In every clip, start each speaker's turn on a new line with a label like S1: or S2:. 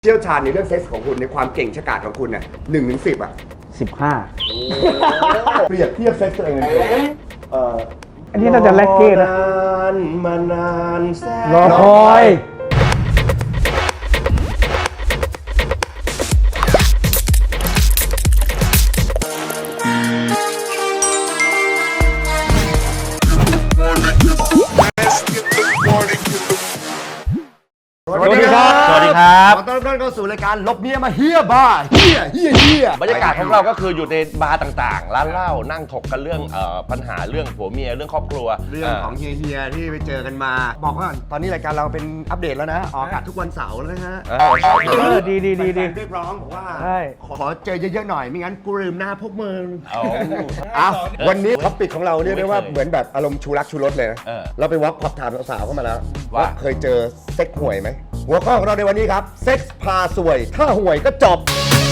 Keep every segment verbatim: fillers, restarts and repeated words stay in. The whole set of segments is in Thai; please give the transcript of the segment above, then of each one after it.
S1: เชี่ยวชาญในเรื่องเซ็กส์ของคุณในความเก่งฉกาจของคุณเนี่ยหนึ่งถึงสิบอ่ะ
S2: สิบห้า
S1: เปรียบเทียบเซ็กส์ตัวเองเลยเอ่อ
S2: อันนี้น่าจะแลกเก้นะ
S1: นานมานานแสน
S2: รอคอยสวัสดีครับ
S3: สวัสดีครับ
S1: ขอต้อนรับเข้าสู่รายการลบเมียมาเฮียบ้าเฮียเฮียเฮีย
S3: บรรยากาศของเราก็คืออยู่ในบาร์ต่างๆ ร้านเหล้านั่งถกกันเรื่องเอ่อปัญหาเรื่องผัวเมียเรื่องครอบครัว
S1: เรื่องของเฮียเฮียที่ไปเจอกันมา บอกว่าตอนนี้รายการเราเป็นอัปเดตแล้วนะออกอากาศทุกวันเสาร์แล้วนะฮะ
S3: เออ
S2: เออดีดีดีดี
S1: แฟนๆเรียกร้องบอกว่า
S2: ใช่
S1: ขอเจอเยอะๆหน่อยไม่งั้นกูลืมหน้าพวกมึง
S3: เอา
S1: อ่ะวันนี้ท็อปิกของเราเรียกได้ว่าเหมือนแบบอารมณ์ชูรักชูรสเลยนะ
S3: เออ
S1: เราไปวอล์กขอบถามสาวๆเข้ามาแล้ว
S3: ว่า
S1: เคยเจอเซ็กห่วยไหมหัวข้อของเราในวันนี้ครับเซ็กส์พาสวยถ้าห่วยก็จบ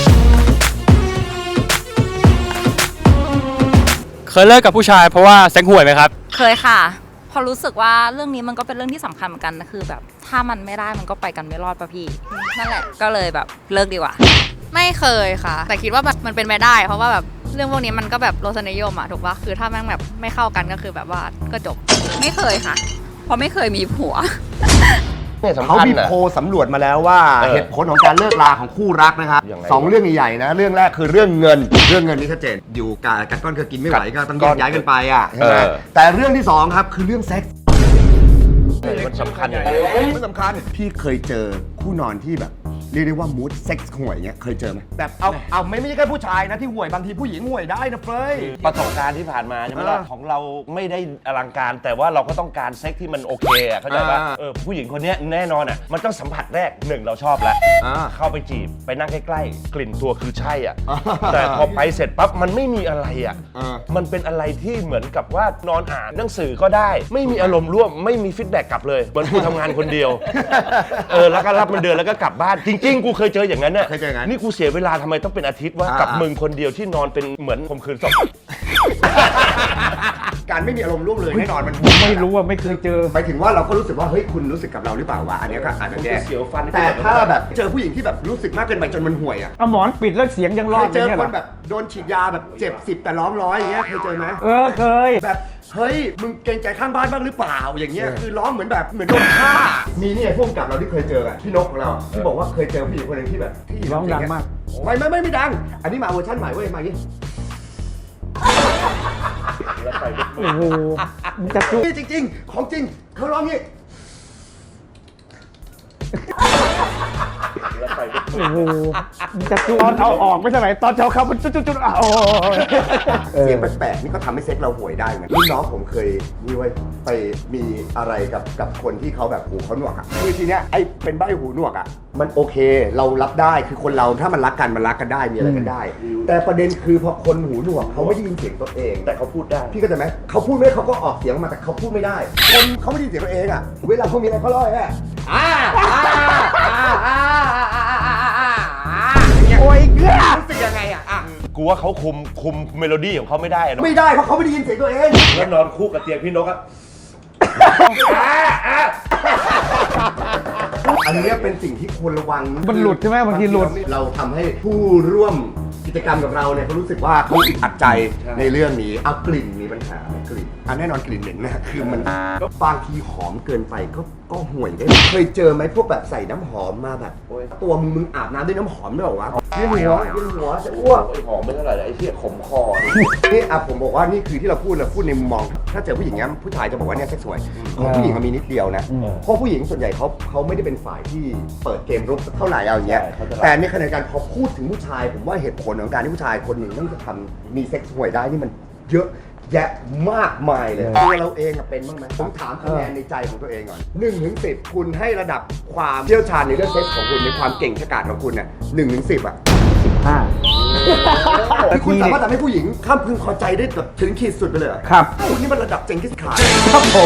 S4: เคยเลิกกับผู้ชายเพราะว่าเซ็งห่วยไหมครับ
S5: เคยค่ะเพอรู้สึกว่าเรื่องนี้มันก็เป็นเรื่องที่สำคัญเหมือนกันนะคือแบบถ้ามันไม่ได้มันก็ไปกันไม่รอดป่ะพี่นั่นแหละก็เลยแบบเลิกดีกว่า
S6: ไม่เคยค่ะ แต่คิดว่าแบบมันเป็นไปได้ เพราะว่าแบบเรื่องพวกนี้มันก็แบบรสนิยมอะถูกปะคือถ้าแม่งแบบไม่เข้ากันก็คือแบบว่าก็จบ
S5: ไม่เคยค่ะ เพราะไม่เคยมีผัว
S3: เนี่ยสำ
S1: เขา
S3: คัญ
S1: มี
S3: นะ
S1: โพลสำรวจมาแล้วว่า
S3: เออ
S1: เหตุผลของการเลิกลาของคู่รักนะครับ
S3: ยังไง
S1: สองเรื่องใหญ่ๆนะเรื่องแรกคือเรื่องเงินเรื่องเงินนี่ชัดเจนอยู่กับกัดก้อนเคยกินไม่ไหวก็ต้องแยกย้ายกันไปอ่ะใช่ไหม
S3: เออ
S1: แต่เรื่องที่สองครับคือเรื่องเซ็กส์
S3: มันสำคัญอย่างไร
S1: ไม่สำคัญพี่เคยเจอคู่นอนที่แบบเรียกได้ว่ามูดเซ็กส์ห่วยเงี้ยเคยเจอไหมแบบเอาเอาไม่ไม่ใช่แค่ผู้ชายนะที่ห่วยบางทีผู้หญิงห่วยได้นะเฟ้ย
S3: ประสบการณ์ที่ผ่านมาใช่ไหมล่ะ
S1: เออ
S3: ของเราไม่ได้อลังการ แต่ว่าเราก็ต้องการเซ็กที่มันโอเคอะเข้าใจป่ะ
S1: อ่า
S3: เออผู้หญิงคนเนี้ยแน่นอนอ่ะมันต้องสัมผัสแรกหนึ่งเราชอบแล้ว
S1: อ่า
S3: เข้าไปจีบไปนั่งใกล้ๆกลิ่นตัวคือใช่อ่ะ
S1: อ่า
S3: แต่พอไปเสร็จปั๊บมันไม่มีอะไรอ่ะ
S1: อ่า
S3: มันเป็นอะไรที่เหมือนกับว่านอนอ่านหนังสือก็ได้ ไม่มีอารมณ์ร่วมไม่มีฟีดแบ็กกลับเลยเหมือนกูทำงานคนเดียวเออแล้วก็รับเงินเดือนแล้วก็กลับบ้านจริงๆกูเคยเจออย่างนั้นน่ะ
S1: เคยเจออย่างนั้น
S3: นี่กูเสียเวลาทำไมต้องเป็นอาทิตย์ว่า
S1: อ่า
S3: กับมึงคนเดียวที่นอนเป็นเหมือนข่มขืนศพ
S1: การไม่มีอารมณ์ร่วมเลยแน่นอนมัน
S2: ไม่รู้ว่าไม่เคยเจอ
S1: หมายถึงว่าเราก็รู้สึกว่าเฮ้ยคุณรู้สึกกับเราหรือเปล่าวะอันเนี้ยก็อาจจะแย่
S3: เสียวฟัน
S1: แต่ถ้าแบบเจอผู้หญิงที่แบบรู้สึกมากเกินไปจนมันห่วยอ่ะ
S2: เอาหมอนปิดแล้วเสียงยังร
S1: เค
S2: อด
S1: ยเจอ
S2: นี่ย
S1: ค
S2: หร
S1: นแบบโดนฉีดยาแบบเจ็บสิบแต่ร้องร้อยอย่างเงี้ยเคยเจอไหม
S2: เออเคย
S1: แบบเฮ้ยมึงเกรงใจข้างบ้านบ้างหรือเปล่าอย่างเงี้ยคือร้องเหมือนแบบเหมือนโดนฆ่ามีเนี่ยพวกกับเราที่เคยเจออะพี่นกของเราที่บอกว่าเคยเจอผู้หญิงคนหนึงที่แบบที่
S2: ร้องดังมาก
S1: ไม่ไม่ไม่ไม่ดัง อันนี้มาเวอร์ชันใหม่เว้ยมาอย่างงี้
S2: โอ้โหมันจะจุ
S1: นี่จริง ๆ ของจริงเขาร้องงี้
S2: โอ้โหมันจะจุตอนเอาออกไม่ใช่ไหมตอนเช้าเข้ามันจุดจุดจุดอ่ะโอ้ย
S1: เสียงแปลกๆนี่ก็ทำให้เซ็กเราห่วยได้เหมือนรุ่นน้องผมเคยนี่เว้ยไปมีอะไรกับกับคนที่เขาแบบหูเขาหนวกอ่ะคือทีเนี้ยไอ้เป็นใบ้หูหนวกอ่ะมันโอเคเรารับได้คือคนเราถ้ามันรักกันมันรักกันได้มีอะไรกันได้ แต่ประเด็นคือพอคนหูหนวกเขาไม่ได้ยินเสียงตัวเอง
S3: แต่เขาพูดได้
S1: พี่ก็จะไหมเขาพูดไม่ได้เขาก็ออกเสียงออกมาแต่เขาพูดไม่ได้ คนเขาไม่ได้ยินเสียงตัวเองอ่ะเวลาเขามีอะไรเขาร้อยอ่ะอ่าอ่าอ่าอ่าอ่าอ่าอ่าโอ้ยเกลือรู้สึกยังไงอ่ะอ่ะ
S3: กูว่าเขาคุมคุมเมโลดี้ของเขาไม่ได้อะเนอะ
S1: ไม่ได้เพราะเขาไม่ได้ยินเสียงตัวเอง
S3: แล้วนอนคู่กับเตียงพี่นกอะ
S1: อันนี้เป็นสิ่งที่ควรระวัง
S2: มันหลุดใช่ไหมบางทีหลุด
S1: เราทำให้ผู้ร่วมกิจกรรมกับเราเนี่ยเขารู้สึกว่าเขาอึดอัดใจในเรื่องนี้เอากลิ่นมีปัญหาไหมกลิ่นอ่ะแน่นอนกลิ่นเหม็นนะคือมันบางทีหอมเกินไปก็ก็ห่วยได้เคยเจอไหมพวกแบบใส่น้ำหอมมาแบบตัวมึงมึงอาบน้ำด้วยน้ำหอมด้วยเหรอวะเวียนหัวเวียนหัวจะอ้วก
S3: ไอ้หอมไม่เท่าไหร่ไอ้เหี้ยขมคอนี่
S1: นี่อ่ะผมบอกว่านี่คือที่เราพูดเราพูดในมุมมอง ถ้าเจอผู้หญิงเนี้ยผู้ชายจะบอกว่าเนี่ยเซ็กสวยของผู้หญิงมันมีนิดเดียวนะเพราะผู้หญิงส่วนใหญ่เขาเขาไม่ได้เป็นฝ่ายที่เปิดเกมรุกสักเท่าไหร่เอาอย่างเงี้ยแต่ในขณะเดียวกันพอพูดถึงผู้ชายผมว่าเหตุผลของการที่ผู้ชายคนหนึ่งต้องจะทำมีเซ็กสวยได้นี่มันเยอะแยะมากมายเลยตัวเราเองอะเป็นบ้างไหมผมถามคะแนนในใจของตัวเองก่อนหนึ่งถึงสิบคุณให้ระดับความเชี่ยวชาญในเรื่องเซ็กส์ของคุณในความเก่งฉกาจของคุณเนี่ยหนึ่งถึงสิบอะ
S2: สิบห้า
S1: ที่คุณสามารถทำให้ผู้หญิงข้ามพึงพอใจได้แบบถึงขีดสุดไปเลยเหรอ
S2: ครับ
S1: โอ้นี่มันระดับเจงกิสข่าน
S2: ครับผม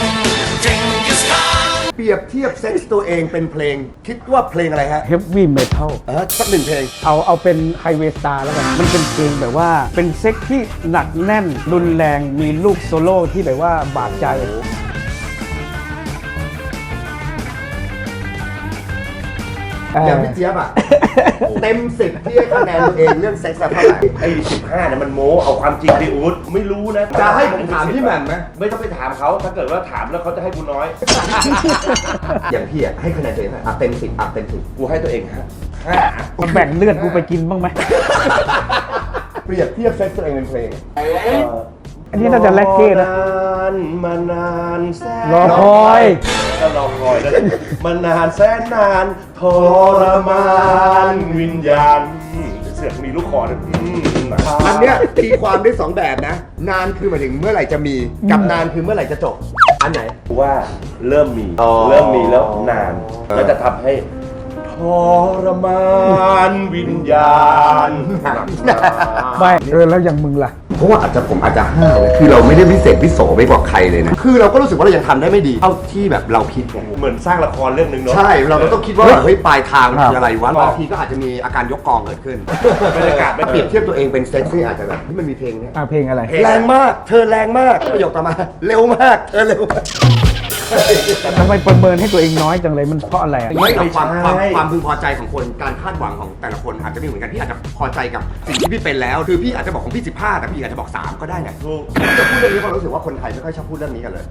S1: เปรียบเทียบเซ็กส์ตัวเองเป็นเพลง คิดว่าเพลงอะไรฮะ
S2: เฮฟวี่เมทัล
S1: เออสักหนึ่งเพลง
S2: เอาเอาเป็นไฮเวย์สตาร์แล้วกัน มันเป็นเพลงแบบว่าเป็นเซ็กที่หนักแน่น รุนแรงมีลูกโซโล่ที่แบบว่าบาดใจ
S1: เอย่างพี่เจี๊ยบอ่ะ เต็มสิบที่ให้คะแนนตัวเองเรื่องเซ็กซ์เท่าไหร่
S3: ไอ้สิบห้าเนี่ยมันโม้เอาความจริงดิอู๊ดไม่รู้นะ
S1: จะให้ผมถามพี่แหม่มไหม
S3: ไม่ต้องไปถามเขาถ้าเกิดว่าถามแล้วเขาจะให้กูน้อย
S1: อย่างพี่อ่ะให้คะแนนตัวเองเท่าไหร่อ่ะเต็มสิบอ่ะเต็มสิบ
S3: กูให้ตัวเองฮะห้า
S2: มันแบ่งเลือดกูไปกินบ้างไหม
S1: เปรียบเทียบเซ็กซ์ตัวเองเป็นเพลง
S2: อันนี้น่าจะแลกเก้นะ
S3: นานมานานแสน
S2: รอคอย
S3: ก็รอคอยแล้วมานานแสนนานทรมานวิญญาณเสือกมีลูกคอด้วยอืม
S1: อันเนี้ยตีความได้สองแบบนะ นานคือหมายถึงเมื่อไหร่จะมีกับนานคือเมื่อไหร่จะจบ อันไหน
S3: ว่าเริ่มมี
S1: อ๋อ
S3: เริ่มมีแล้วนาน
S1: เออ
S3: ก็จะทำให้ทรมานวิญญาณ
S2: ไม่เออแล้วอย่างมึงล่ะ
S1: เพราะว่าอาจจะผมอาจจะห้าวเลยคือเราไม่ได้พิเศษพิโสไปกว่าใครเลยนะ คือเราก็รู้สึกว่าเรายังทำได้ไม่ดีเท่าที่แบบเราคิดไง
S3: เหมือนสร้างละครเรื่องหนึ่งเนาะ
S1: ใช่ เราก็ต้องคิดว่าเฮ้ยปลายทางมันคืออะไรวะ
S3: ครับ
S1: บางทีก็อาจจะมีอาการยกกองเกิดขึ้น
S3: บรรยากาศไม่
S1: เปรียบเทียบตัวเองเป็นเซ็กซี่อาจจะแบบที่มันมีเพลงเนี้ย
S2: อ่าเพลงอะไร
S1: แรงมาก เธอแรงมากประโยคต่อมา เร็วมาก เธอเร็วมาก
S2: ทำไมประเมินให้ตัวเองน้อยจังเลยมันเพราะอะไรอะ
S1: ไม่กับความความความพึงพอใจของคนการคาดหวังของแต่ละคนอาจจะไม่เหมือนกันพี่อาจจะพอใจกับสิ่งที่พี่เป็นแล้ว คือพี่อาจจะบอกของพี่สิบห้าแต่พี่อาจจะบอกสามก็ได้นะ
S3: ถูก
S1: จะพูดเรื่องนี้เพราะรู้สึกว่าคนไทยไม่ค่อยชอบพูดเรื่องนี้กันเลย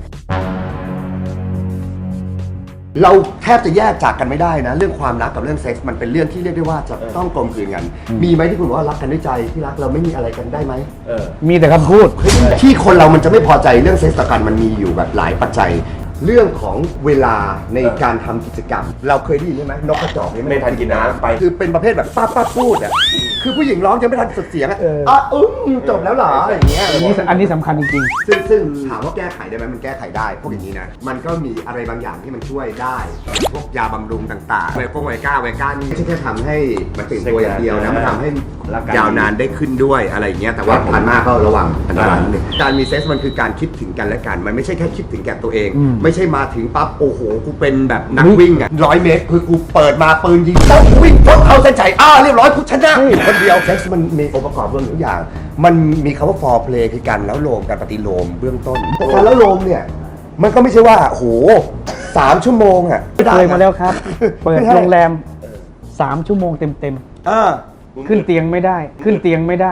S1: เราแทบจะแยกจากกันไม่ได้นะ เรื่องความรักกับเรื่องเซ็กส์มันเป็นเรื่องที่เรียกได้ว่าจะต้องกลมกลืนกัน มีไหมที่คุณบอกว่ารักกันด้วยใจที่รักเราไม่มีอะไรกันได้ไหม
S3: เออ
S2: มีแต่คำพูด
S1: ที่คนเรามันจะไม่พอใจเรื่องเซ็กส์ต่อกันมันมีอยู่แบบหลายปัจจัย เรื่องของเวลาในการทำกิจกรรม เราเคยได้ยินใช่ไหมนกกระจอก
S3: ไม่ทันกินน้ำไป
S1: คือเป็นประเภทแบบป้าป้าพูดอ่ะคือผู้หญิงร้องยังไม่ทันสุดเสียงอ่ะ
S2: เออ
S1: อ่ะอึ้งจบแล้วเหรออย่างเงี้ย
S2: อันนี้อันนี้สำคัญจริง
S1: ซึ่งซึ่งถามว่าแก้ไขได้ไหมมันแก้ไขได้พวกอย่างนี้นะมันก็มีอะไรบางอย่างที่มันช่วยได้พวกยาบำรุงต่างๆไวโก้ไวก้าไวก้านี่ไม่ใช่แค่ทำให้มันตื่นตัวอย่างเดียวนะมันทำให้ยาวนานได้ขึ้นด้วยอะไรอย่างเงี้ยแต่ว่าทานมากก็ระวังอันตรายนิดนึงการมีเซ็กส์มันคือการคิดถึงกันและกันมันไม่ใช่แค่คิดถึงแก่ตัวเอง
S2: อืม
S1: ไม่ใช่มาถึงปั๊บโอ้โหกูเป็นแบบนักวิ่งอ่ะร้อยเมตรคือกูเปิดมาปืนยิงปุ๊บวิ่งปุ๊บเข้าเส้นชัยอ้าเรียบร้อยกูชนะคนเดียวเซ็กส์มันมีองค์ประกอบรวมทุกอย่าง มันมีคำว่า for play คือการแล้วโลมการปฏิโลมเบื้องต้นแต่การแล้วโลมเนี่ยมันก็ไม่ใช่ว่าโหสามชั่วโมงอ่ะ
S2: ๆ เคยมาแล้วครับ เปิดโรงแรมสามชั่วโมงเต็ม
S1: เออ
S2: ๆ ขึ้นเตียงไม่ได้ ขึ้นเตียงไม่ได้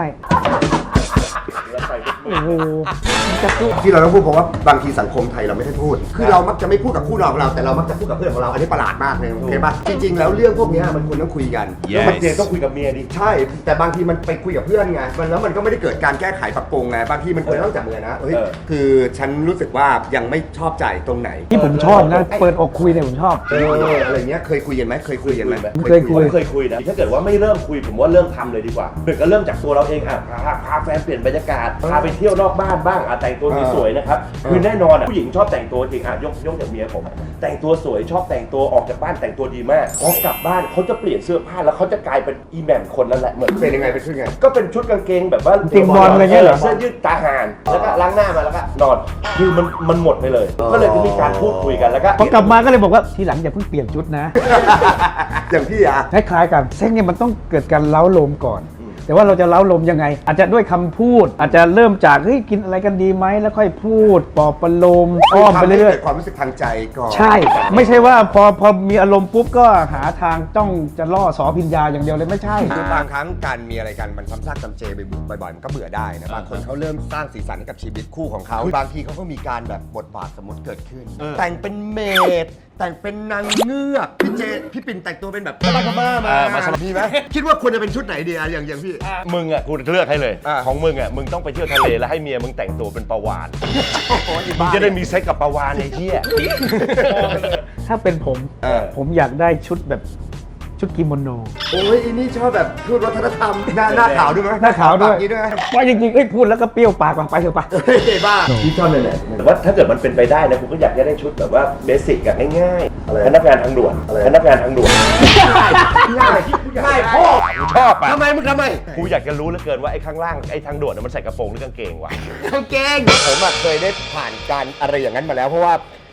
S2: โอ้โหจะสู้
S1: ที่เราต้องพูดเพราะว่าบางทีสังคมไทยเราไม่ได้พูด คือเรามักจะไม่พูดกับคู่นอนของเราแต่เรามักจะพูดกับเพื่อนของเราอันนี้ประหลาดมากเลยโอเคป่ะจริงๆแล้วเรื่องพวกเนี้ยมันควรต้องคุยกัน
S3: แล้วมันเจนต้องคุยกับเมียดิ
S1: ใช่ แต่บางทีมันไปคุยกับเพื่อนไงมันแล้วมันก็ไม่ได้เกิดการแก้ไขปรับปรุงไงบางทีมันควรต้องจับมือนะเฮ้ย
S3: เออ
S1: คือฉันรู้สึกว่ายังไม่ชอบใจตรงไหน
S2: ที่ผมชอบนะ เปิดอกคุยเนี่ยผมชอบ
S1: เอออะไรเงี้ยเคยคุยกันไหมเคยคุยกันไหม
S2: เคยคุ
S3: ผมเคยคุยนะ ถ้าเกิดว่าไม่เริ่มคุยผมว่าเริ่มทำเลยดีกว่าเดี๋ยวก็เริ่มจากตัวเราเองอ่ะพาพาแฟนเปลี่ยนบรรยากาศพาไปเที่ยวนอกบ้านบ้างอ่ะแต่งตัวสวยๆนะครับคือแน่นอนอ่ะผู้หญิงชอบแต่งตัวจริงอ่ะยกยกจากเมียผมแต่งตัวสวยชอบแต่งตัวออกจากบ้านแต่งตัวดีมากพอกลับบ้านเขาจะเปลี่ยนเสื้อผ้าแล้วเขาจะกลายเป็นอีแหม่มคนนั่นแหละเหมือน
S1: เป็นยังไงเป็นขึ้นไง
S3: ก็เป็นชุดกางเกงแบบว่า
S2: เกงบอลอะไรเงี้ยเหรอ
S3: เสื้อยืดตาห่านแล้วก็ล้างหน้ามาแล้วก็นอนคือมันมันหมดไปเลย ก็เลยจะมีการพูดคุยกันแล้วก็
S2: พอกลับมาก็เลยบอกว่าทีหลังอย่าเพิ่งเปลี่ยนชุดนะ
S1: อย่างพี่อะ
S2: คล้ายๆกันเซ็กเนี่ยมันต้องเกิดการเล้าโลมก่อน แต่ว่าเราจะเล้าโลมยังไง อาจจะด้วยคำพูด อาจจะเริ่มจากเฮ้ยกินอะไรกันดีไหมแล้วค่อยพูดปลอบประโลมอ้อมไปเรื่อย
S1: ๆความรู้สึกทางใจก่อน
S2: ๆใช่ ไม่ใช่ว่าพอพอมีอารมณ์ปุ๊บก็หาทางจ้องจะล่อสอพิญญาอย่างเดียวเลยไม่ใช่
S1: คือบางครั้งการมีอะไรกันมันซ้ำซากจำเจบ่อยๆมันก็เบื่อได้นะบางคนเขาเริ่มสร้างสีสันให้กับชีวิตคู่ของเขาบางทีเขาก็มีการแบบบทบาทสมมติเกิดขึ้น แต่งเป็นเมดแต่งเป็นนางเงือกพี่เจพี่ปิ่นแต่งตัวเป็นแบบบ้าบ้ามา
S3: อ่ามาสลับ
S1: มีไหมคิดว่าควรจะเป็นชุดไหนดีอะอย่างอย่างพี่
S3: มึงอ่ะกูเลือกให้เลย
S1: อ่า
S3: ของมึงอ่ะมึงต้องไปเที่ยวทะเลแล้วให้เมียมึงแต่งตัวเป็นปลาวาน
S1: โอ้โหอี
S3: มึง
S1: บ้า
S3: จะได้มีเซ็กกับปลาวานไอ้เหี้ย
S2: ถ้าเป็นผม
S1: เออ
S2: ผมอยากได้ชุดแบบชุดกิโมโน
S1: โอ้ยอันนี้ชอบแบบพูดวัฒนธรรมหน้าหน้าขาวด้วยไหม
S2: หน้าขาวด้วย
S1: ปกนี้ด้วยไหม
S2: ว่าจริงๆเอ้ยพูดแล้วก็เปรี้ยวปากว่ะไปเถอะไป
S1: เฮ้ยบ้าพี่ชอบเลยแหละ
S3: แต่ว่าถ้าเกิดมันเป็นไปได้นะกูก็อยากจะได้ชุดแบบว่าเบสิกอะง่าย
S1: อะไร
S3: ๆพนักงานทางด่วน
S1: อะไร
S3: พนักงานทางด่วน
S1: ง่ายง่ายพ่อ
S3: กูชอบอะ
S1: ทำไมมึงทำไม
S3: กูอยากจะรู้เหลือเกินว่าไอ้ข้างล่างไอ้ทางด่วนน่ะมันใส่กระโปรงหรือกางเกงวะ
S1: กางเกงผมอะเคยได้ผ่านการอะไรอย่างนั้นมาแล้วเพราะว่า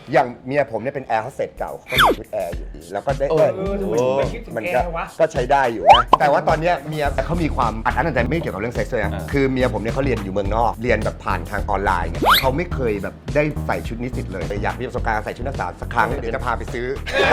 S1: อย่างเมียผมเนี่ยเป็นแอร์โฮสเตสเก่าก็มีชุดแอร์อยู่ดีแล้วก็ได้
S3: เออ
S1: เออ
S2: ทำไมถึงไม่คิดถึง
S1: มัน
S2: แอ
S1: ก็
S2: ร์วะ
S1: ก็ใช้ได้อยู่นะแต่ว่าตอนเนี้ยเมียเขามีความอัดอั้นตันใจไม่เกี่ยวกับเรื่องเซ็กซ์เลยนะคือเมียผมเนี่ยเขาเรียนอยู่เมืองนอกเรียนแบบผ่านทางออนไลน์ไงเขาไม่เคยแบบได้ใส่ชุดนิสิตเลยอยากมีประสบการณ์ใส่ชุดนักศึกษาสักครั้งเดี๋ยวจะพาไปซื้อ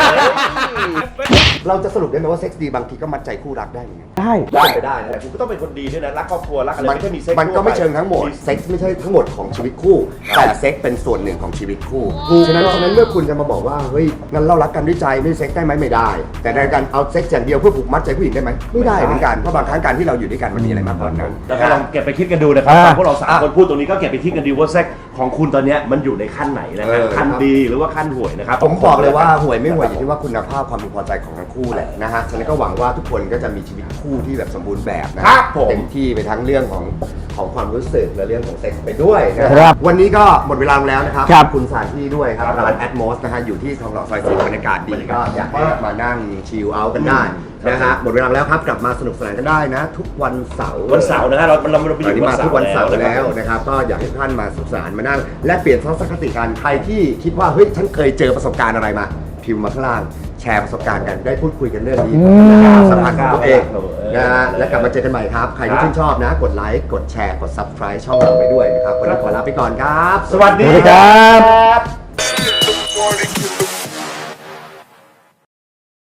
S1: เราจะสรุปได้ไหมว่าเซ็กซ์ดีบางทีก็มัดใจคู่รักได้เหมือนกัน
S2: ได้
S3: ได้ไปได้นะแต่คุณก็ต้องเป็นคนดีด้วยนะรักครอบครัวรักอะไรไม่ใช่มีเซ็กซ์
S1: มันก็ไม่
S3: ทั่วป
S1: เชิงทั้งหมดเซ็กซ์ไม่ใช่ทั้งหมดของชีวิตคู่แต่เซ็กซ์เป็นส่วนหนึ่งของชีวิตคู่ฉะนั้นฉะนั้นเมื่อคุณจะมาบอกว่าเฮ้ยงั้นเรารักกันด้วยใจไม่เซ็กซ์ได้ไหมไม่ได้ แต่ในการเอาเซ็กซ์อย่างเดียวเพื่อผูกมัดใจผู้หญิงได้ไหมไม่ได้เหมือนกันเพราะบางครั้งการที่เราอยู่ด้วยกันมันมีอะไรมากกว่านั้น
S3: แล้วก็ลองเก็บไปคิดกันดูนะครับ
S2: อ่า
S3: ฟังพวกเราสามคนพูดตรงนี้ก็เก็บไปคิดกันดูว่าเซ็กของคุณตอนเนี้ยมันอยู่ในขั้นไหนนะค
S1: เอ
S3: รับ
S1: อ
S3: ขั้นดีหรือว่าขั้นห่วยนะครับ
S1: ผมบอกเลยว่าห่วยไม่ห่วยอยู่ที่ว่าคุณภาพความพึงพอใจของทั้งคู่แหละนะฮะฉะนั้นก็หวังว่าทุกคนก็จะมีชีวิตคู่ที่แบบสมบูรณ์แบบนะครับ
S3: ผม
S1: เต็มที่ไปทั้งเรื่องของของความรู้สึกและเรื่องของเซ็กซ์ไปด้วยนะครับ วันนี้ก็หมดเวลาแล้วนะครับ
S2: ครับ
S1: ขอบคุณสถานที่ด้วยครับร้าน Atmos นะฮะอยู่ที่ทองหล่อซอยสี่บรรยากาศดีก็อยากให้มานั่งชิลเอาท์กันได้นะฮะหมดเวลาแล้วครับกลับมาสนุกสนานกันได้นะ ทุกวันเสาร์
S3: วันเสาร์นะฮะเราเราเราไปอ
S1: ตอน
S3: ยู่
S1: นี้มาทุกวันเสาร์
S3: นะค
S1: แล้ว
S3: รับ
S1: นะครับก็อยากให้ท่านมาสนุกสนานมานั่งและเปลี่ยนทัศนคติกันใครที่คิดว่าเฮ้ยฉันเคยเจอประสบการณ์อะไรมาพิมพ์มาข้างล่างแชร์ประสบการณ์กันได้พูดคุยกันเรื่องนี้
S2: อืม
S1: นะครับสัมพันธ์ของตัวเองนะฮะและกลับมาเจอกันใหม่ครับ ใครที่ชื่นชอบนะ กดไลค์กดแชร์กด Subscribe ช่องเราไปด้วยนะครับวันนี้ขอลาไปก่อนครับ
S3: สวัสดี
S2: สวัสดีครับ
S3: ครับ